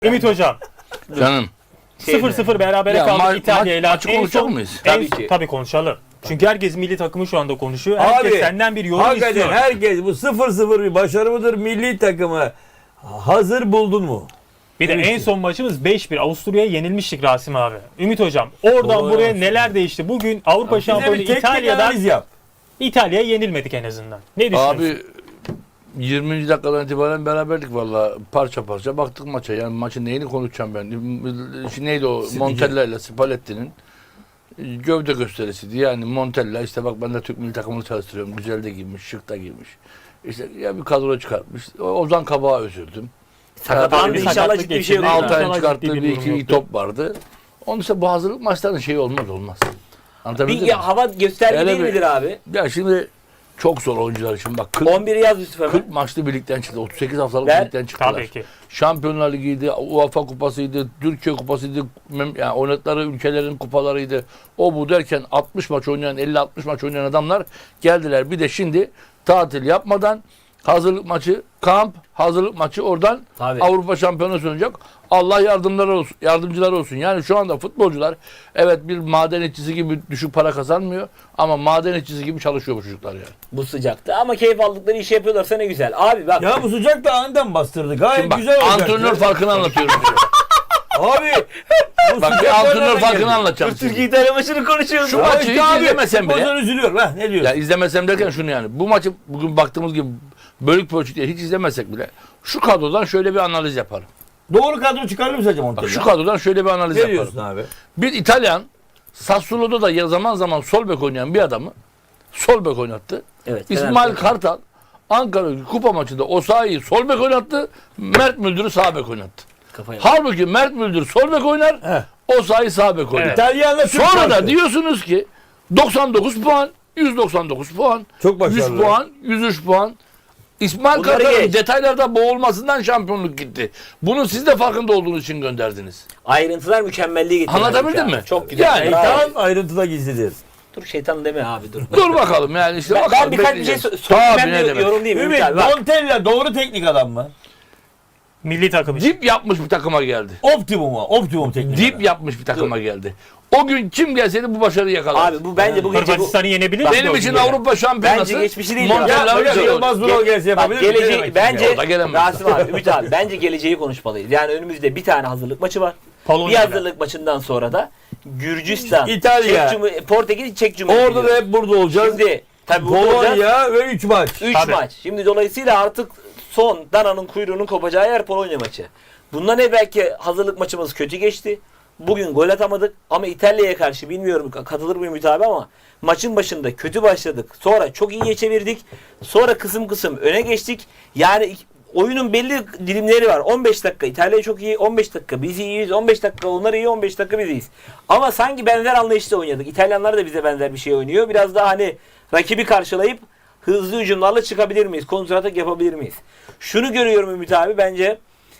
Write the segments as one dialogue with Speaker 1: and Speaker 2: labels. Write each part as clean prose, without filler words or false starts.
Speaker 1: Ümit Hocam.
Speaker 2: Canım.
Speaker 1: 0-0 berabere
Speaker 2: Ya
Speaker 1: kaldık İtalya ile.
Speaker 2: maçı konuşacak mıyız?
Speaker 1: Tabii ki. Tabii konuşalım. Çünkü herkes milli takımı şu anda konuşuyor. Herkes senden bir yorum
Speaker 3: hakikaten
Speaker 1: istiyor.
Speaker 3: herkes bu 0-0 bir başarı mıdır? Milli takımı hazır buldun mu?
Speaker 1: Bir de en son maçımız 5-1. Avusturya'ya yenilmiştik Rasim abi. Ümit Hocam oradan
Speaker 3: Doğru
Speaker 1: buraya
Speaker 3: yapmışsın.
Speaker 1: neler değişti? Bugün Avrupa
Speaker 3: Bize
Speaker 1: şampiyonu
Speaker 3: bir teknik
Speaker 1: İtalya'dan
Speaker 3: analiz yap.
Speaker 1: İtalya'ya yenilmedik en azından. Ne düşünüyorsun?
Speaker 2: Abi 20. dakikadan itibaren beraberlik valla parça parça baktık maça. Yani maçın neyini konuşacağım ben? Şimdi neydi o Montella ile Spalletti'nin gövde gösterisiydi. Yani Montella işte bak ben de Türk milli takımını çalıştırıyorum. Güzel de giymiş, şık da giymiş. İşte ya bir kadro çıkartmış. Ozan Kabak'a üzüldüm.
Speaker 1: Sakatlandı,
Speaker 2: Yani
Speaker 1: inşallah
Speaker 4: ciddi bir şey yok.
Speaker 1: geçirdi.
Speaker 2: Altay'ın çıkarttığı bir iki iyi top vardı. Onun işte bu hazırlık maçlarının şeyi olmaz. Anlatabildim
Speaker 4: Bir
Speaker 2: mi?
Speaker 4: hava gösterge
Speaker 2: Hele
Speaker 4: değil
Speaker 2: bir-
Speaker 4: midir abi?
Speaker 2: Ya şimdi çok zor oyuncular için bak 40,
Speaker 4: 11'i yaz Yusuf hemen.
Speaker 2: 40 maçlı birlikten çıktı. 38 haftalık
Speaker 4: Ver.
Speaker 2: birlikten çıktılar.
Speaker 1: Tabii ki.
Speaker 2: Şampiyonlar Ligi'ydi, UEFA Kupası'ydı, Türkiye Kupası'ydı, yani oynadıkları ülkelerin kupalarıydı. O bu derken 60 maç oynayan, 50-60 maç oynayan adamlar geldiler. Bir de şimdi tatil yapmadan hazırlık maçı, kamp, hazırlık maçı oradan
Speaker 4: Tabii.
Speaker 2: Avrupa Şampiyonası oynayacak. Allah yardımcıları olsun. Yani şu anda futbolcular evet bir maden işçisi gibi düşük para kazanmıyor ama maden işçisi gibi çalışıyor bu çocuklar yani.
Speaker 4: Bu sıcakta ama keyif aldıkları işi yapıyorlarsa ne güzel. Abi bak.
Speaker 3: Ya bu sıcakta aniden bastırdı. Gayet
Speaker 2: Şimdi bak
Speaker 3: güzel olacak.
Speaker 2: antrenör farkını anlatıyorum size.
Speaker 3: Abi. Bu
Speaker 2: Bak bir
Speaker 3: sıcakta
Speaker 2: antrenör
Speaker 3: nereden
Speaker 2: farkını
Speaker 3: geldi?
Speaker 2: anlatacağım size.
Speaker 4: Türkiye İtalya maçını konuşuyoruz.
Speaker 2: Şu
Speaker 4: Abi.
Speaker 2: maçı
Speaker 3: İşte
Speaker 2: hiç
Speaker 3: abi,
Speaker 2: izlemesem bile.
Speaker 3: futbolcular üzülüyorum. Ha, ne diyorsun?
Speaker 2: Ya izlemesem derken şunu yani. Bu maçı bugün baktığımız gibi bölük pörçük diye hiç izlemesek bile şu kadrodan şöyle bir analiz yaparım.
Speaker 3: Doğru kadro çıkarır mı sence Montella?
Speaker 2: Bak şu kadrodan şöyle bir analiz
Speaker 3: Ne
Speaker 2: yaparım.
Speaker 3: diyorsun abi?
Speaker 2: Bir İtalyan Sassuolo'da da ya zaman zaman sol bek oynayan bir adamı sol bek oynattı.
Speaker 4: Evet.
Speaker 2: İsmail
Speaker 4: Fenerbahçe.
Speaker 2: Kartal Ankara kupa maçında Osayi'yi sol bek oynattı. Mert Müldür'ü sağ bek oynattı.
Speaker 4: Kafaya.
Speaker 2: Halbuki Mert Müldür sol bek oynar.
Speaker 3: He.
Speaker 2: Osayi sağ bek oynar.
Speaker 1: Evet.
Speaker 3: İtalyanla Türk
Speaker 2: Sonra da
Speaker 3: farkı.
Speaker 2: diyorsunuz ki 99 puan, 199 puan,
Speaker 3: Çok başarılı.
Speaker 2: 100 puan, 103 puan. İsmail
Speaker 4: Bunları
Speaker 2: Kartal'ın
Speaker 4: geç.
Speaker 2: detaylarda boğulmasından şampiyonluk gitti. Bunun siz de farkında olduğunuz için gönderdiniz.
Speaker 4: Ayrıntılar mükemmelliği getiriyor.
Speaker 2: Anlatabildim mi?
Speaker 4: Çok güzel.
Speaker 2: Yani
Speaker 4: Bravo.
Speaker 3: Şeytan ayrıntıda gizlidir.
Speaker 4: Dur şeytan deme abi dur.
Speaker 2: Dur bakalım yani işte
Speaker 4: Ben
Speaker 2: bakalım.
Speaker 4: birkaç bir şey
Speaker 2: bekleyeceğiz.
Speaker 4: sorayım.
Speaker 2: Tabii, ne
Speaker 4: Ben
Speaker 2: demek.
Speaker 4: yorum değil mi?
Speaker 3: Ümit,
Speaker 4: Abi, bak.
Speaker 3: Montella doğru teknik adam mı?
Speaker 1: Milli takım için.
Speaker 2: Dip yapmış bir takıma geldi.
Speaker 3: Optimum teknik
Speaker 2: Dip
Speaker 3: adam.
Speaker 2: yapmış bir takıma geldi. O gün kim gelseydi bu başarıyı yakalardı.
Speaker 4: Abi bu bence bu gece bu.
Speaker 1: Hırvatistan'ı yenebilir mi?
Speaker 2: Benim için Avrupa Şampiyonası.
Speaker 4: Bence geçmişi değil
Speaker 2: Montella
Speaker 4: ya.
Speaker 2: öyle
Speaker 3: Ya,
Speaker 2: diyor.
Speaker 3: Yılmaz Vural gelse
Speaker 4: Bak,
Speaker 3: yapabilir mi? Ne
Speaker 4: geleceği
Speaker 3: demek
Speaker 4: bence
Speaker 2: O da gelemez.
Speaker 4: Rasim abi, Ümit abi bence geleceği konuşmalıyız. Yani önümüzde bir tane hazırlık maçı var.
Speaker 1: Polonya
Speaker 4: Bir
Speaker 1: ile.
Speaker 4: hazırlık maçından sonra da Gürcistan,
Speaker 3: İtalya.
Speaker 4: Portekiz, Çek Cumhuriyeti.
Speaker 3: Orada da hep burada olacağız.
Speaker 4: Şimdi tabii burada olacağız.
Speaker 3: Polonya ve 3 maç.
Speaker 4: 3
Speaker 1: Tabii.
Speaker 4: maç. Şimdi dolayısıyla artık son dananın kuyruğunun kopacağı yer Polonya maçı. Bundan evvelki hazırlık maçımız kötü geçti. Bugün gol atamadık ama İtalya'ya karşı bilmiyorum katılır mıyım Ümit abi ama maçın başında kötü başladık. Sonra çok iyiye çevirdik. Sonra kısım kısım öne geçtik. Yani oyunun belli dilimleri var. 15 dakika İtalya çok iyi, 15 dakika biz iyiyiz, 15 dakika onlar iyi, 15 dakika biz iyiyiz. Ama sanki benzer anlayışla oynadık. İtalyanlar da bize benzer bir şey oynuyor. Biraz daha hani rakibi karşılayıp hızlı hücumlarla çıkabilir miyiz? Kontratak yapabilir miyiz? Şunu görüyorum Ümit abi bence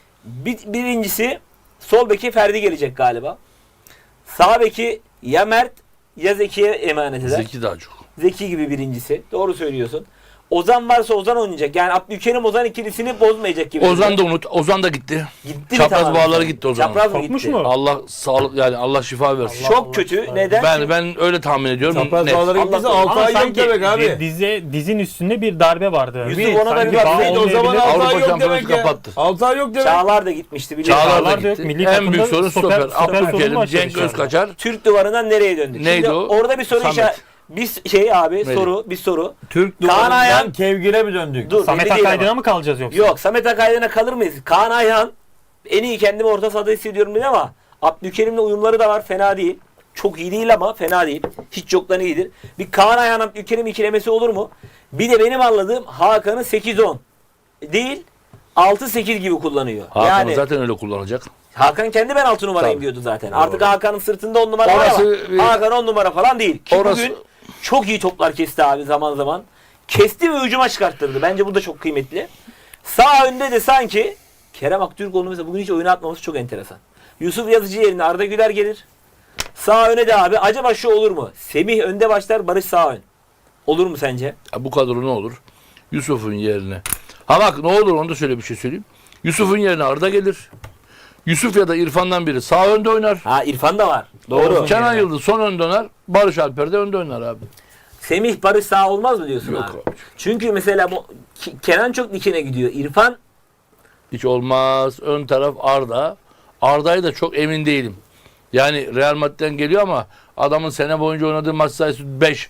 Speaker 4: birincisi sol beki Ferdi gelecek galiba. Sağ beki ya Mert ya Zeki'ye emanet eder.
Speaker 2: Zeki daha çok.
Speaker 4: Zeki gibi birincisi. Doğru söylüyorsun. Ozan varsa Ozan oynayacak. Yani Abdülkerim Ozan ikilisini bozmayacak gibi.
Speaker 2: Ozan da unut. Ozan da gitti.
Speaker 4: gitti mi
Speaker 2: Çapraz
Speaker 4: tamamen?
Speaker 2: bağları gitti Ozan'ın.
Speaker 4: Çapraz mı
Speaker 1: Kopmuş
Speaker 4: gitti?
Speaker 1: mu?
Speaker 2: Allah sağlık yani Allah şifa versin.
Speaker 4: Çok kötü. Neden?
Speaker 2: Ben öyle tahmin ediyorum.
Speaker 3: Çapraz
Speaker 2: Net.
Speaker 3: bağları gittiyse
Speaker 4: Allah-
Speaker 3: 6
Speaker 1: Ama
Speaker 3: ay yok
Speaker 1: sanki
Speaker 3: demek abi.
Speaker 1: dizin üstünde bir darbe vardı.
Speaker 4: Yusuf,
Speaker 1: Bir-
Speaker 4: ona da
Speaker 1: sanki
Speaker 4: bir bak.
Speaker 1: bağ
Speaker 3: Evet, o zaman
Speaker 1: olmayabilir.
Speaker 3: 6
Speaker 2: Avrupa
Speaker 3: ay yok
Speaker 2: Şampiyonası
Speaker 3: demek ya.
Speaker 2: kapattı.
Speaker 3: 6 ay yok demek.
Speaker 4: Çağlar da gitmişti biliyorsun.
Speaker 2: Çağlar
Speaker 1: Çağlar
Speaker 2: da
Speaker 1: da yok.
Speaker 2: gitti.
Speaker 1: Milli
Speaker 2: En
Speaker 1: takımda
Speaker 2: büyük sorun stoper.
Speaker 1: sorunu
Speaker 2: Abdülkerim,
Speaker 1: başladı
Speaker 2: Cenk
Speaker 1: şu anda.
Speaker 2: Özkaçar.
Speaker 4: Türk duvarından nereye döndük?
Speaker 2: Neydi
Speaker 4: Şimdi
Speaker 2: o?
Speaker 4: orada bir soru
Speaker 2: Samet.
Speaker 4: işareti. Abi
Speaker 2: Neydi?
Speaker 4: bir soru.
Speaker 3: Türk
Speaker 4: Kaan
Speaker 3: duvarından
Speaker 4: Ayhan-
Speaker 3: Kevgir'e mi döndük?
Speaker 4: Dur.
Speaker 1: Samet
Speaker 4: belli değil
Speaker 1: Akaydın'a
Speaker 4: ama.
Speaker 1: mı kalacağız yoksa?
Speaker 4: Yok Samet Akaydın'a kalır mıyız? Kaan Ayhan en iyi kendimi orta sahada hissediyorum dedi ama Abdülkerim'le uyumları da var fena değil. Çok iyi değil ama fena değil. Hiç yoktan iyidir. Bir Kaan Ayhan Abdülkerim ikilemesi olur mu? Bir de benim anladığım Hakan'ı 8-10 değil 6-8 gibi kullanıyor.
Speaker 2: Hakan
Speaker 4: yani
Speaker 2: zaten öyle kullanacak.
Speaker 4: Hakan kendi ben 6 numarayım
Speaker 2: Tabii.
Speaker 4: diyordu zaten.
Speaker 2: Doğru.
Speaker 4: Artık Hakan'ın sırtında 10 numara
Speaker 2: Orası
Speaker 4: var ama Hakan 10 numara falan değil. Ki
Speaker 2: Orası-
Speaker 4: bugün çok iyi toplar kesti abi zaman zaman. Kesti ve hücuma çıkarttırdı. Bence bu da çok kıymetli. Sağ önde de sanki Kerem Aktürkoğlu mesela bugün hiç oyuna atmaması çok enteresan. Yusuf Yazıcı yerine Arda Güler gelir. Sağ öne de abi acaba şu olur mu? Semih önde başlar, Barış sağ ön. Olur mu sence?
Speaker 2: Ya bu kadro ne olur? Yusuf'un yerine. Ha bak ne olur onu da şöyle bir şey söyleyeyim. Yusuf'un yerine Arda gelir. Yusuf ya da İrfan'dan biri sağ önde oynar.
Speaker 4: Ha İrfan da var. Doğru.
Speaker 2: Kenan Yıldız son önde oynar. Barış Alper de önde oynar abi.
Speaker 4: Semih Barış sağ olmaz mı diyorsun
Speaker 2: Yok
Speaker 4: abi?
Speaker 2: abi.
Speaker 4: Çünkü mesela bu Kenan çok dikine gidiyor. İrfan
Speaker 2: Hiç olmaz. Ön taraf Arda. Arda'yı da çok emin değilim. Yani Real Madrid'den geliyor ama adamın sene boyunca oynadığı maç sayısı 5.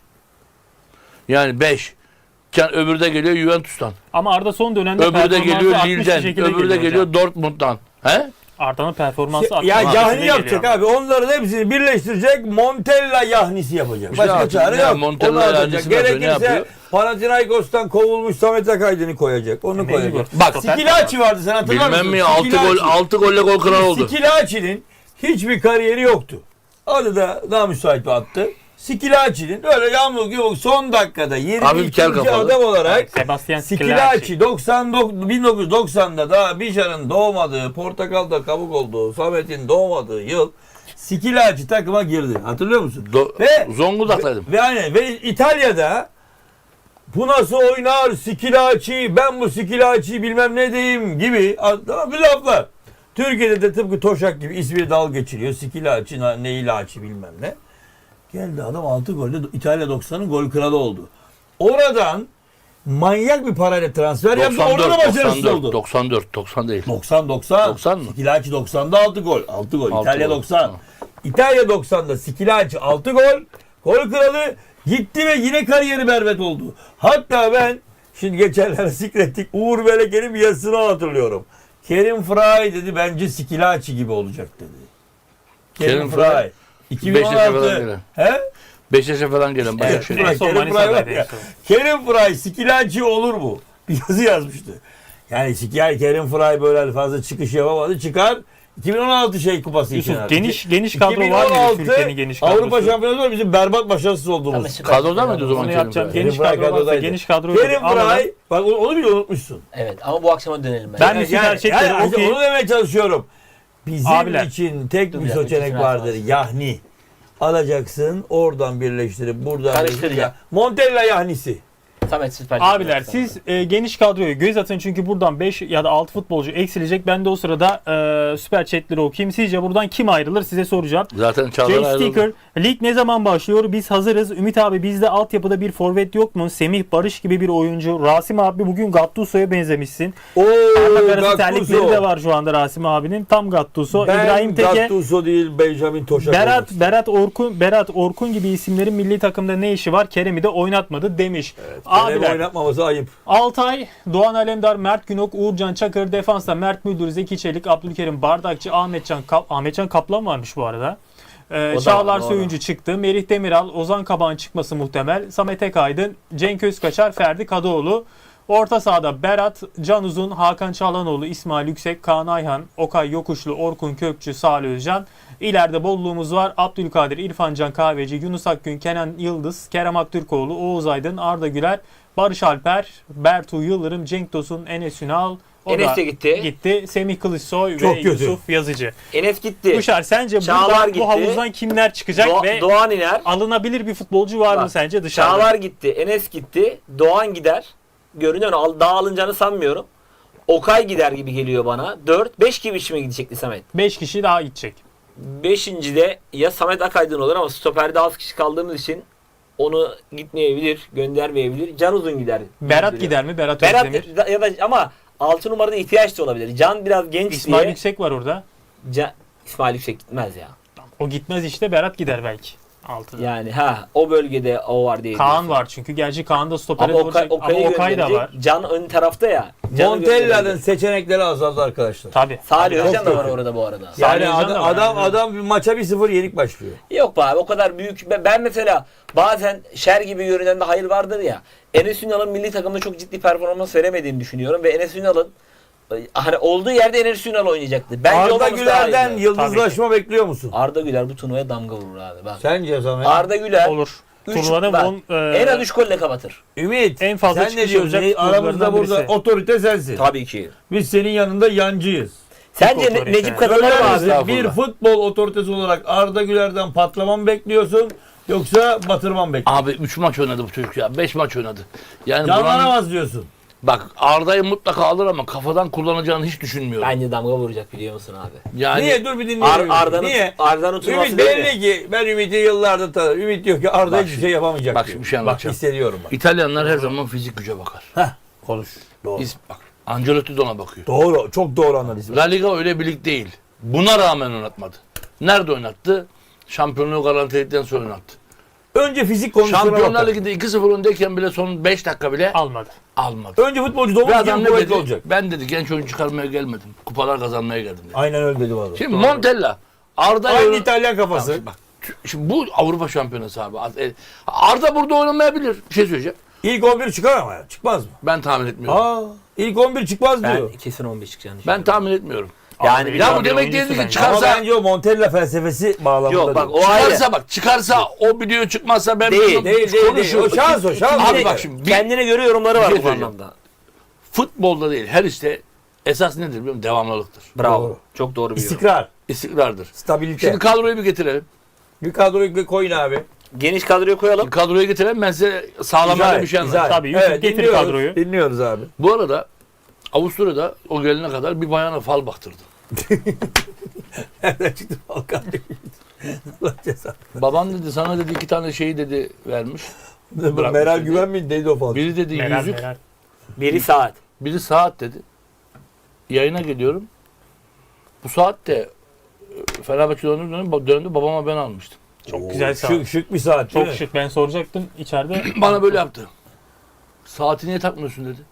Speaker 2: Yani 5. Öbürü de geliyor Juventus'tan.
Speaker 1: Ama Arda son dönemde
Speaker 2: Öbürü de
Speaker 1: performansı
Speaker 2: geliyor
Speaker 1: artmış bir
Speaker 2: Lille'den.
Speaker 1: şekilde
Speaker 2: Öbürü de
Speaker 1: hocam.
Speaker 2: geliyor Dortmund'dan. He?
Speaker 1: Arda'nın performansı artmış
Speaker 3: Ya
Speaker 1: bir şekilde
Speaker 3: Yahni yapacak
Speaker 1: geliyor.
Speaker 3: abi. Onların hepsini birleştirecek. Montella Yahnisi yapacak.
Speaker 2: İşte
Speaker 3: Başka
Speaker 2: artık
Speaker 3: çare
Speaker 2: ne
Speaker 3: yok.
Speaker 2: Montella
Speaker 3: Onu atacak.
Speaker 2: Yahnisi ne yapıyor, ne
Speaker 3: Gerekirse
Speaker 2: yapıyor?
Speaker 3: Panathinaikos'tan kovulmuş Samet Akaydın'ı koyacak. Onu
Speaker 1: Mecbur.
Speaker 3: koyacak.
Speaker 2: Bak,
Speaker 3: Sikilaci vardı, sen hatırlar mısın?
Speaker 2: Bilmem mi 6
Speaker 3: Sikilaci.
Speaker 2: gol 6 golle gol kıran oldu.
Speaker 3: Sikilaci'nin hiçbir kariyeri yoktu. Adı da daha müsait bir attı. Sikilaci'nin öyle yağmur gibi son dakikada
Speaker 2: Hafif kel
Speaker 3: 22.
Speaker 2: kafalı.
Speaker 3: adam olarak
Speaker 1: Sebastian
Speaker 3: Sikilaci
Speaker 1: Sikilaci.
Speaker 3: 1990'da daha Bijan'ın doğmadığı, Portakal'da kabuk olduğu, Samet'in doğmadığı yıl Sikilaci takıma girdi. Hatırlıyor musun? Ve
Speaker 2: Zonguldak'taydım.
Speaker 3: ve İtalya'da bu nasıl oynar Sikilaci, ben bu Sikilaci bilmem ne diyeyim gibi bir laflar. Türkiye'de de tıpkı Toşak gibi ismi dal geçiriyor. Sikilaci, Neylaci bilmem ne. Geldi adam 6 golde İtalya 90'ın gol kralı oldu. Oradan manyak bir parayla transfer yaptı. Orada da başarısız oldu.
Speaker 2: 90 değil.
Speaker 3: 90.
Speaker 2: 90 mı?
Speaker 3: Sikilaci 90'da 6 gol. 6 gol.
Speaker 2: Altı
Speaker 3: İtalya
Speaker 2: gol.
Speaker 3: 90.
Speaker 2: Hı.
Speaker 3: İtalya 90'da Sikilaci 6 gol. Gol kralı gitti ve yine kariyeri berbat oldu. Hatta ben şimdi geçenlerde zikrettik Uğur Beleke'nin bir yazısını hatırlıyorum. Kerim Fry dedi bence Sikilaci gibi olacak dedi.
Speaker 2: Kerim
Speaker 3: Fry.
Speaker 2: Fry.
Speaker 3: 2016.
Speaker 2: falan gelen.
Speaker 3: He?
Speaker 2: Beşiktaş'a falan gelen
Speaker 3: Evet,
Speaker 2: Başakşehir.
Speaker 1: En son
Speaker 3: Kerim Fry
Speaker 1: Manisa'daydı
Speaker 3: var
Speaker 1: en
Speaker 3: ya.
Speaker 1: son.
Speaker 3: Kerim Fry Sikilaci olur mu? Bir yazı yazmıştı. Yani Kerim Fry böyle fazla çıkış yapamadı. Çıkar 2016 kupası için.
Speaker 1: Yusuf
Speaker 3: artık.
Speaker 1: geniş kadro var mı
Speaker 3: 2016
Speaker 1: Türkiye'nin geniş kadrosu?
Speaker 3: Avrupa Şampiyonası bizim berbat başarısız olduğumuz.
Speaker 4: Ama süper.
Speaker 2: Kadroda mıydı o zaman
Speaker 1: Onu
Speaker 2: Kerim
Speaker 1: yapacağım.
Speaker 2: Fry?
Speaker 1: Geniş
Speaker 3: Kerim Fry
Speaker 1: kadro varsa
Speaker 3: kadrodaydı.
Speaker 1: geniş kadro
Speaker 3: Kerim
Speaker 1: Ama ben-
Speaker 3: Fry bak onu bile unutmuşsun.
Speaker 4: Evet ama bu akşama dönelim
Speaker 1: Ben de
Speaker 4: Yani.
Speaker 1: süper çekleri okey.
Speaker 3: Onu demeye çalışıyorum. Bizim
Speaker 1: Abiler.
Speaker 3: için tek
Speaker 4: Dur
Speaker 3: bir
Speaker 4: ya,
Speaker 3: seçenek
Speaker 4: iki
Speaker 3: vardır.
Speaker 4: final
Speaker 3: Yahni. Alacaksın, oradan birleştirip buradan
Speaker 4: Karıştıracak.
Speaker 3: birleştirip. Montella Yahnisi.
Speaker 4: Samet süper.
Speaker 1: Abiler siz geniş kadroyu göz atın çünkü buradan 5 ya da 6 futbolcu eksilecek. Ben de o sırada süper chatleri okuyayım. Sizce buradan kim ayrılır size soracağım.
Speaker 2: Zaten Çağlar
Speaker 1: Jay
Speaker 2: ayrıldı.
Speaker 1: Sticker, lig ne zaman başlıyor? Biz hazırız. Ümit abi bizde altyapıda bir forvet yok mu? Semih Barış gibi bir oyuncu. Rasim abi bugün Gattuso'ya benzemişsin.
Speaker 3: Oo,
Speaker 1: Parmak arası terlikleri
Speaker 3: Gattuso.
Speaker 1: de var şu anda Rasim abinin. Tam Gattuso.
Speaker 3: Ben
Speaker 1: İbrahim Teke,
Speaker 3: Gattuso değil Benjamin Toşak.
Speaker 1: Berat Orkun gibi isimlerin milli takımda ne işi var? Kerem'i de oynatmadı demiş.
Speaker 3: Abiler.
Speaker 1: Abiler
Speaker 3: Oynatmaması ayıp.
Speaker 1: Altay, Doğan Alemdar, Mert Günok, Uğurcan Çakır, defansta Mert Müldür, Zeki Çelik, Abdülkerim Bardakçı, Ahmetcan Kaplan varmış bu arada. Çağlar
Speaker 4: doğru.
Speaker 1: Söyüncü çıktı. Merih Demiral, Ozan Kabak'ın çıkması muhtemel. Samet Ekaydın, Cenk Özkaçar, Ferdi Kadıoğlu. Orta sahada Berat, Can Uzun, Hakan Çağlanoğlu, İsmail Yüksek, Kaan Ayhan, Okay Yokuşlu, Orkun Kökçü, Salih Özcan. İleride bolluğumuz var. Abdülkadir, İrfan Can Kahveci, Yunus Akgün, Kenan Yıldız, Kerem Aktürkoğlu, Oğuz Aydın, Arda Güler, Barış Alper, Bertu Yıldırım, Cenk Tosun, Enes Ünal. O
Speaker 4: Enes
Speaker 1: da
Speaker 4: de gitti.
Speaker 1: gitti. Semih Kılıçsoy
Speaker 3: Çok
Speaker 1: ve
Speaker 3: kötü.
Speaker 1: Yusuf Yazıcı.
Speaker 4: Enes gitti.
Speaker 1: Kuşar sence
Speaker 4: Çağlar
Speaker 1: buradan
Speaker 4: gitti.
Speaker 1: bu havuzdan kimler çıkacak ve
Speaker 4: Doğan iner.
Speaker 1: alınabilir bir futbolcu var mı
Speaker 4: Bak,
Speaker 1: sence dışarıda?
Speaker 4: Çağlar gitti. Enes gitti. Doğan gider. Görünüyor. Daha alınacağını sanmıyorum. Okay gider gibi geliyor bana. 5 gibi mi gidecekti Samet?
Speaker 1: 5 kişi daha gidecek.
Speaker 4: 5. de ya Samet Akaydın olur ama stoperde az kişi kaldığımız için onu gitmeyebilir, göndermeyebilir. Can Uzun gider.
Speaker 1: Berat gider mi? Berat
Speaker 4: Berat
Speaker 1: Özdemir.
Speaker 4: ya da ama 6 numarada ihtiyaç da olabilir. Can biraz genç
Speaker 1: İsmail
Speaker 4: diye.
Speaker 1: Yüksek var orada.
Speaker 4: İsmail Yüksek gitmez ya.
Speaker 1: O gitmez işte, Berat gider belki. 6'da.
Speaker 4: Yani o bölgede o var diye.
Speaker 1: Kaan var çünkü. Gerçi Kaan da stopere
Speaker 4: Ama
Speaker 1: doğru çek- ama
Speaker 4: Okay'ı
Speaker 1: Okay da var.
Speaker 4: Can ön tarafta ya. Can'ı
Speaker 3: Montella'nın
Speaker 4: gönderebilir.
Speaker 3: seçenekleri azaldı arkadaşlar.
Speaker 1: Tabii.
Speaker 4: Salih
Speaker 3: Çok
Speaker 4: Özcan da var
Speaker 3: kötü.
Speaker 4: orada bu arada.
Speaker 3: Yani
Speaker 1: Salih Özcan da var,
Speaker 3: adam
Speaker 1: aynen.
Speaker 3: bir maça 1-0 yenik başlıyor.
Speaker 4: Yok be abi o kadar büyük. Ben mesela bazen şer gibi görünen de hayır vardır ya. Enes Ünal'ın milli takımda çok ciddi performans veremediğini düşünüyorum ve Enes Ünal'ın hani olduğu yerde Enes Ünal oynayacaktı. Bence
Speaker 3: Arda
Speaker 4: olmaması daha
Speaker 3: Güler'den
Speaker 4: iyi.
Speaker 3: yıldızlaşma bekliyor musun?
Speaker 4: Arda Güler bu turnuvaya damga vurur abi. Bak.
Speaker 3: Sence Samet?
Speaker 4: Arda Güler
Speaker 1: Olur.
Speaker 4: üç-
Speaker 1: Turnuvada
Speaker 4: bak,
Speaker 1: en
Speaker 4: en az 3 golle kapatır.
Speaker 3: Ümit
Speaker 1: En fazla
Speaker 3: sen ne
Speaker 1: çıkış
Speaker 3: diyorsun?
Speaker 1: yapacak
Speaker 3: Aramızda
Speaker 1: futbolculardan
Speaker 3: burada
Speaker 1: birisi.
Speaker 3: otorite sensin.
Speaker 4: Tabii ki.
Speaker 3: Biz senin yanında yancıyız.
Speaker 4: Sence
Speaker 1: otorite.
Speaker 4: Necip kazanır mı
Speaker 3: Söyler
Speaker 4: abi?
Speaker 3: misin?
Speaker 2: Estağfurullah.
Speaker 3: Bir futbol otoritesi olarak Arda Güler'den patlama mı bekliyorsun yoksa batırma mı bekliyorsun?
Speaker 2: Abi 3 maç oynadı bu çocuk ya. 5 maç oynadı. Yani buranın,
Speaker 3: Canlanamaz diyorsun.
Speaker 2: Bak Arda'yı mutlaka alır ama kafadan kullanacağını hiç düşünmüyorum.
Speaker 4: Bence damga vuracak biliyor musun abi?
Speaker 2: Yani
Speaker 3: Niye? Dur bir dinleyelim. Niye?
Speaker 4: Arda'nın tutması
Speaker 3: Ümit
Speaker 4: belli.
Speaker 3: belli ki ben Ümit'i yıllardır tanırım. Ümit diyor ki Arda
Speaker 2: Bak
Speaker 3: hiçbir
Speaker 2: şimdi-
Speaker 3: şey yapamayacak
Speaker 2: bak
Speaker 3: diyor.
Speaker 2: şimdi bir şey
Speaker 3: Bak
Speaker 2: anlatacağım.
Speaker 3: hissediyorum bak.
Speaker 2: İtalyanlar her zaman fizik güce bakar.
Speaker 3: Heh, konuş. Doğru.
Speaker 2: Bak Ancelotti de ona bakıyor.
Speaker 3: Doğru. Çok doğru analiz.
Speaker 2: La Liga öyle bir lig değil. Buna rağmen oynatmadı. Nerede oynattı? Şampiyonluğu garantiledikten sonra oynattı.
Speaker 3: Önce fizik konusuna
Speaker 2: Şampiyonlar
Speaker 3: bakalım.
Speaker 2: Ligi'nde 2-0 öndeyken bile son 5 dakika bile
Speaker 1: Almadı.
Speaker 2: almadı.
Speaker 3: Önce futbolcu
Speaker 2: Ve
Speaker 3: domuz
Speaker 2: adam
Speaker 3: gibi
Speaker 2: ne
Speaker 3: kuvvetli
Speaker 2: dedi?
Speaker 3: olacak.
Speaker 2: Ben dedi genç oyuncu çıkarmaya gelmedim. Kupalar kazanmaya geldim dedi.
Speaker 3: Aynen öyle dedi valla.
Speaker 2: Şimdi Montella, Arda
Speaker 3: Aynı
Speaker 2: Yolun-
Speaker 3: İtalyan kafası.
Speaker 2: Tamam, bak, şimdi bu Avrupa Şampiyonası abi. Arda burada oynamayabilir. Bir şey söyleyeceğim.
Speaker 3: İlk 11 çıkar ama ya. Çıkmaz mı?
Speaker 2: Ben tahmin etmiyorum.
Speaker 3: Aa, ilk 11 çıkmaz
Speaker 4: Ben
Speaker 3: diyor.
Speaker 4: kesin 15 çıkacağını
Speaker 2: Ben
Speaker 4: düşünüyorum.
Speaker 2: tahmin etmiyorum.
Speaker 4: Yani
Speaker 1: Abi,
Speaker 2: Ya
Speaker 1: Abi,
Speaker 2: bu demek
Speaker 1: oyuncusu
Speaker 2: değil ki
Speaker 1: bence.
Speaker 3: Ama
Speaker 2: çıkarsa
Speaker 3: bence o Montella felsefesi bağlamında
Speaker 4: Yok bak
Speaker 3: diyor.
Speaker 4: o ayrı.
Speaker 2: çıkarsa o biliyor çıkmazsa ben
Speaker 4: Değil,
Speaker 2: bilmiyorum.
Speaker 3: Değil.
Speaker 2: Konuşuyor.
Speaker 3: O şans o şans.
Speaker 2: Abi bak şimdi
Speaker 4: Kendine göre yorumları var
Speaker 2: Bir şey
Speaker 4: bu
Speaker 2: söyleyeceğim.
Speaker 4: anlamda.
Speaker 2: futbolda değil her işte esas nedir biliyor musun? Devamlılıktır.
Speaker 4: Bravo.
Speaker 3: Doğru.
Speaker 4: Çok doğru bir yorum.
Speaker 3: İstikrar,
Speaker 2: İstikrardır.
Speaker 3: stabilite.
Speaker 2: Şimdi kadroyu bir getirelim.
Speaker 3: Bir kadroyu koyun abi.
Speaker 4: Geniş kadroyu koyalım.
Speaker 2: Kadroyu getirelim ben size sağlamada bir şey anlatayım.
Speaker 1: Tabii, Yusuf getir
Speaker 3: dinliyoruz,
Speaker 1: kadroyu.
Speaker 3: Dinliyoruz abi.
Speaker 2: Bu arada Avusturya'da o gelene kadar bir bayana fal baktırdı.
Speaker 3: Nereden çıktı Balkan? Allah cezanı.
Speaker 2: Baban dedi sana dedi 2 tane şeyi dedi vermiş. Bırakmış
Speaker 3: Meral
Speaker 2: dedi.
Speaker 3: Güven mi neydi o falan?
Speaker 2: Biri dedi
Speaker 1: Meral,
Speaker 2: yüzük,
Speaker 1: Meral.
Speaker 4: Biri saat.
Speaker 2: biri saat dedi. Yayına geliyorum. Bu saat de Fenerbahçe döndü babama ben almıştım.
Speaker 1: Çok güzel saat.
Speaker 3: Şık bir saat değil
Speaker 1: Çok
Speaker 3: mi?
Speaker 1: şık. Ben soracaktım içeride.
Speaker 2: Bana böyle yaptı. Saati niye takmıyorsun dedi.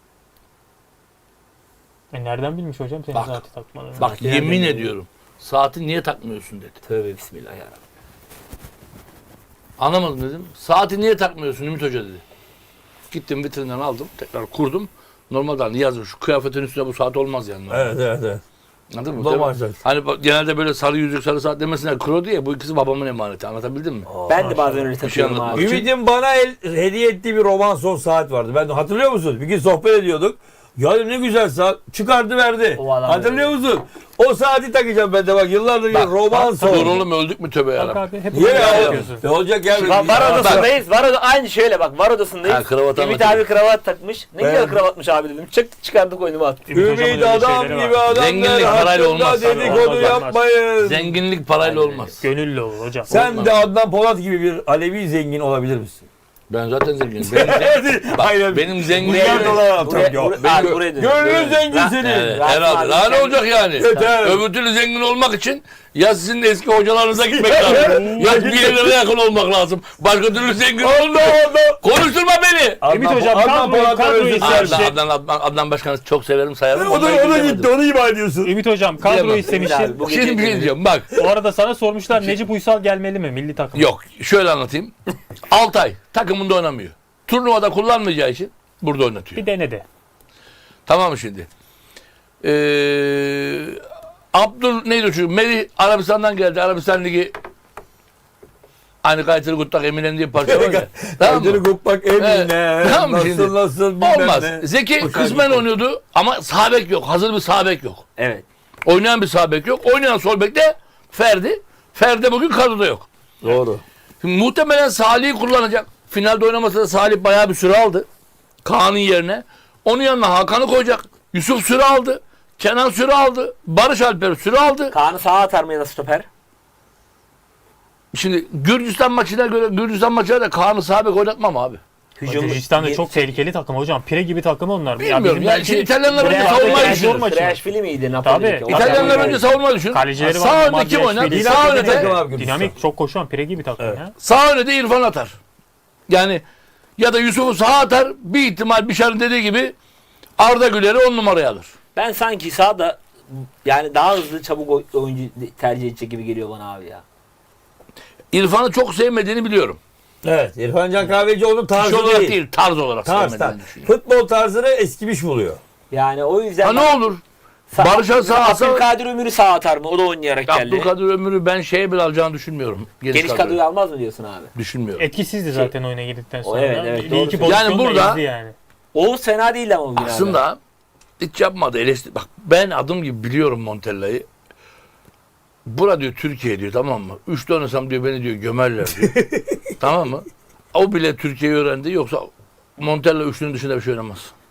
Speaker 1: Nereden bilmiş hocam senin
Speaker 2: Bak.
Speaker 1: saati takmadığını?
Speaker 2: Bak
Speaker 4: Saati
Speaker 2: yemin
Speaker 4: nereden
Speaker 2: ediyorum. Saati niye takmıyorsun dedi.
Speaker 4: Tövbe bismillah ya.
Speaker 2: Anlamadım dedim. Saati niye takmıyorsun Ümit Hoca dedi. Gittim vitrinden aldım. Tekrar kurdum. Normalde hani yazıyor şu kıyafetin üstüne bu saat olmaz yani.
Speaker 3: Evet.
Speaker 2: Anladın mı?
Speaker 3: Normal
Speaker 2: Tabii.
Speaker 3: saat.
Speaker 2: Hani genelde böyle sarı yüzük sarı saat demesinler kro diye bu ikisi babamın emaneti. Anlatabildim mi?
Speaker 4: Ben de bazen öyle
Speaker 2: şey
Speaker 4: takıyorum
Speaker 2: anlatmak
Speaker 4: abi.
Speaker 2: için.
Speaker 3: Ümit'in bana hediye ettiği bir roman son saat vardı. Ben hatırlıyor musun? Bir gün sohbet ediyorduk. Ya dedim, ne güzel saat. Çıkardı verdi.
Speaker 4: O adam
Speaker 3: Hatırlıyor musun? O saati takacağım ben de bak yıllardır
Speaker 2: Bak,
Speaker 3: roman son.
Speaker 2: Dur oğlum öldük mü tövbe
Speaker 1: Bak
Speaker 2: yarabbim.
Speaker 1: abi hep
Speaker 3: Niye
Speaker 1: böyle
Speaker 3: ya?
Speaker 1: yapıyorsun.
Speaker 3: Ne olacak ya?
Speaker 4: Var odasındayız. Aynı şöyle bak var odasındayız.
Speaker 2: Ha, kravat
Speaker 4: Ümit
Speaker 2: anlatayım.
Speaker 4: abi kravat takmış. Ne
Speaker 3: Evet.
Speaker 4: güzel kravatmış abi dedim. Çıkardık oyunumu attık.
Speaker 1: Ümit hocamın
Speaker 3: Ümit
Speaker 1: öyle
Speaker 3: adam
Speaker 1: şeyleri
Speaker 3: gibi
Speaker 1: var.
Speaker 3: adamlar
Speaker 2: Zenginlik parayla
Speaker 3: hakkında
Speaker 2: olmaz.
Speaker 3: dedikodu
Speaker 1: Olmaz.
Speaker 3: yapmayın.
Speaker 2: Zenginlik parayla olmaz.
Speaker 1: Gönüllü ol hocam.
Speaker 3: Sen
Speaker 2: Olmaz.
Speaker 3: de Adnan Polat gibi bir Alevi zengin olabilir misin?
Speaker 2: Ben zaten zenginim. Benim zenginliğim...
Speaker 3: Milyar dolar atacağım.
Speaker 4: Buraya dön.
Speaker 3: Gönlün zengin senin.
Speaker 2: Evet,
Speaker 4: Rahat
Speaker 2: herhalde.
Speaker 4: abi,
Speaker 2: Daha ne
Speaker 4: sen-
Speaker 2: olacak yani?
Speaker 3: Yeter.
Speaker 2: Öbür türlü zengin olmak için ya sizin eski hocalarınıza gitmek lazım. Ya bir yerlere yakın olmak lazım. Başka türlü zengin olmuyor. Konuşturma beni.
Speaker 1: Ümit hocam
Speaker 3: Adnan Polat'ı
Speaker 1: kadroyu
Speaker 3: özlesin.
Speaker 1: istemişti.
Speaker 2: Adnan Başkan'ı çok severim sayarım.
Speaker 3: O da gitti onu ima ediyorsun.
Speaker 1: Ümit hocam kadroyu
Speaker 2: Diyemem.
Speaker 1: istemişti.
Speaker 4: Bu gece
Speaker 2: Şimdi bir şey diyeceğim bak.
Speaker 1: O arada sana sormuşlar Necip Uysal gelmeli mi milli takıma?
Speaker 2: Yok şöyle anlatayım. Altay takımında oynamıyor. Turnuvada kullanmayacağı için burada oynatıyor.
Speaker 1: Bir dene de.
Speaker 2: Tamam mı şimdi? Abdül neydi o çocuk? Melih Arabistan'dan geldi. Arabistan Ligi hani Kaytırı Guttak Eminem diye bir parça var ya. Tamam mı?
Speaker 3: Kaydını kopmak emine.
Speaker 2: Tamam mı şimdi?
Speaker 3: Nasıl bilmem
Speaker 2: Olmaz.
Speaker 3: ne.
Speaker 2: Zeki kısmen oynuyordu ama sağ bek yok. Hazır bir sağ bek yok.
Speaker 4: Evet.
Speaker 2: Oynayan bir sağ bek yok. Oynayan sol bek de Ferdi. Ferdi bugün kadroda yok.
Speaker 3: Doğru.
Speaker 2: Şimdi muhtemelen Salih'i kullanacak. Finalde oynamasa da Salih bayağı bir süre aldı. Kaan'ın yerine. Onun yanına Hakan'ı koyacak. Yusuf süre aldı. Kenan süre aldı. Barış Alper süre aldı.
Speaker 4: Kaan'ı sağa atar mı ya da stoper?
Speaker 2: Şimdi Gürcistan maçına da Kaan'ı sağ bek oynatmam abi.
Speaker 1: Gürcistan da çok tehlikeli takım hocam. Pire gibi takım onlar.
Speaker 2: Bilmiyorum ya.
Speaker 1: belki-
Speaker 2: Şimdi İtalyanlar önce
Speaker 1: Bre-
Speaker 2: savunmayı
Speaker 1: Bre-
Speaker 2: düşünür.
Speaker 1: maçı.
Speaker 4: Trashvili miydi Napoli'deki?
Speaker 1: Tabii.
Speaker 2: İtalyanlar önce savunmayı düşünür.
Speaker 1: Kalecileri var,
Speaker 2: Sağ önde
Speaker 1: Mamadou
Speaker 2: kim oynar?
Speaker 1: Eşvili.
Speaker 2: Sağ
Speaker 3: Dinamik
Speaker 2: önde
Speaker 3: takım abi Gürcistan.
Speaker 1: Dinamik çok koşan pire gibi takım ya.
Speaker 2: Sağ öne de İrfan atar. Yani ya da Yusuf'u sağa atar. Bir ihtimal Bişar'ın dediği gibi Arda Güler'i 10 numaraya alır.
Speaker 4: Ben sanki sağda yani daha hızlı çabuk oyuncu tercih edecek gibi geliyor bana abi ya.
Speaker 2: İrfan'ı çok sevmediğini biliyorum.
Speaker 3: Evet. İrfan Can Kahveci onun tarzı
Speaker 2: Kişi olarak
Speaker 3: değil.
Speaker 2: değil, tarz olarak
Speaker 3: Tarz.
Speaker 2: sevmediğini düşünüyorum.
Speaker 3: Futbol tarzını eskimiş buluyor.
Speaker 4: Yani o yüzden
Speaker 2: Ha ne olur? Barış'a sağ atsa
Speaker 4: Abdülkadir Ömür'ü sağa atar mı? O da oynayarak geldi.
Speaker 2: Abdülkadir Ömür'ü ben şeye bile alacağını düşünmüyorum.
Speaker 4: Geniş kadroyu almaz mı diyorsun abi?
Speaker 2: Düşünmüyorum.
Speaker 1: Etkisizdi zaten oyuna girdikten sonra.
Speaker 4: evet, evet,
Speaker 1: Bir
Speaker 4: doğru
Speaker 1: iki
Speaker 4: söylüyorsun.
Speaker 1: pozisyonda
Speaker 2: Yani burada-
Speaker 1: ezdi yani.
Speaker 4: Oğuz fena değildi ama bugün abi.
Speaker 2: Aslında hiç yapmadı. Bak ben adım gibi biliyorum Montella'yı. Bura diyor Türkiye diyor tamam mı? 3'te oynasam diyor beni diyor gömerler diyor. Tamam mı? O bile Türkiye'yi öğrendi. Yoksa Montella 3'ünün dışında bir şey oynamaz.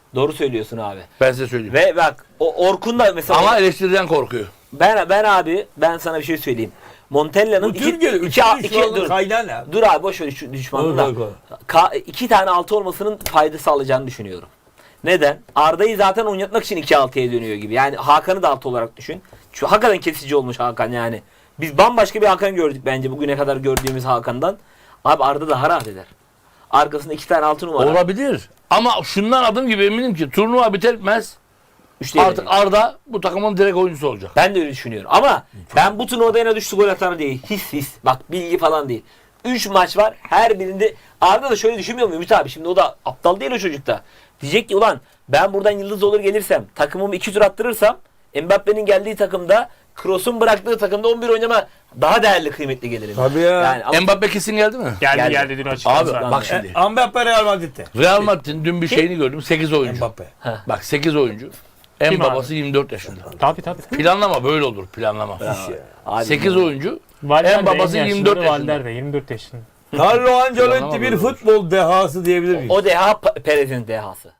Speaker 4: Doğru söylüyorsun abi.
Speaker 2: Ben size söyleyeyim.
Speaker 4: Ve bak o Orkun da mesela
Speaker 2: Ama eleştiriden korkuyor.
Speaker 4: ben sana bir şey söyleyeyim. Montella'nın
Speaker 3: Bu Türkiye'de
Speaker 4: iki
Speaker 3: düşmanlığın
Speaker 4: dur.
Speaker 3: kaynağı ne abi?
Speaker 4: Dur abi boş ver şu düşmanlığı da. İki tane altı olmasının fayda sağlayacağını düşünüyorum. Neden? Arda'yı zaten oynatmak için 2-6'ya dönüyor gibi. Yani Hakan'ı da altı olarak düşün. Şu hakikaten kesici olmuş Hakan yani. Biz bambaşka bir Hakan gördük bence bugüne kadar gördüğümüz Hakan'dan. Abi Arda daha rahat eder. Arkasında 2 tane 6 numara.
Speaker 2: Olabilir. Ama şundan adım gibi eminim ki turnuva biter
Speaker 4: Üçte
Speaker 2: artık
Speaker 4: yenecek.
Speaker 2: Arda bu takımın direkt oyuncusu olacak.
Speaker 4: Ben de öyle düşünüyorum. Ama ben bu turnuvada en düştü gol atanı değil. His. Bak bilgi falan değil. 3 maç var. Her birinde Arda da şöyle düşünmüyor mu Ümit abi? Şimdi o da aptal değil o çocuk da. Diyecek ki ulan ben buradan yıldız olur gelirsem takımımı 2 tur attırırsam Mbappe'nin geldiği takımda Kroos'un bıraktığı takımda 11 oynama daha değerli kıymetli gelirim.
Speaker 3: Tabii ya.
Speaker 4: Yani ama
Speaker 2: Mbappe kesin geldi mi?
Speaker 1: Geldi dün açıkladı
Speaker 2: Abi
Speaker 1: zaten.
Speaker 2: bak şimdi.
Speaker 3: Mbappe Real Madrid'de.
Speaker 2: Real Madrid'in dün bir şeyini gördüm. 8 oyuncu.
Speaker 3: Mbappe.
Speaker 2: Bak 8 oyuncu. En
Speaker 1: Kim
Speaker 2: babası 24 yaşında.
Speaker 1: Tabii.
Speaker 2: Planlama böyle olur planlama.
Speaker 4: abi,
Speaker 2: 8 oyuncu.
Speaker 1: Valverde
Speaker 2: En babası
Speaker 1: en yaşlıları
Speaker 2: 24 yaşında.
Speaker 1: Valverde 24 yaşında.
Speaker 3: Carlo Ancelotti
Speaker 2: Planlama
Speaker 3: bir
Speaker 2: böyle olur.
Speaker 3: futbol dehası diyebilir miyiz?
Speaker 4: o deha Perez'in dehası.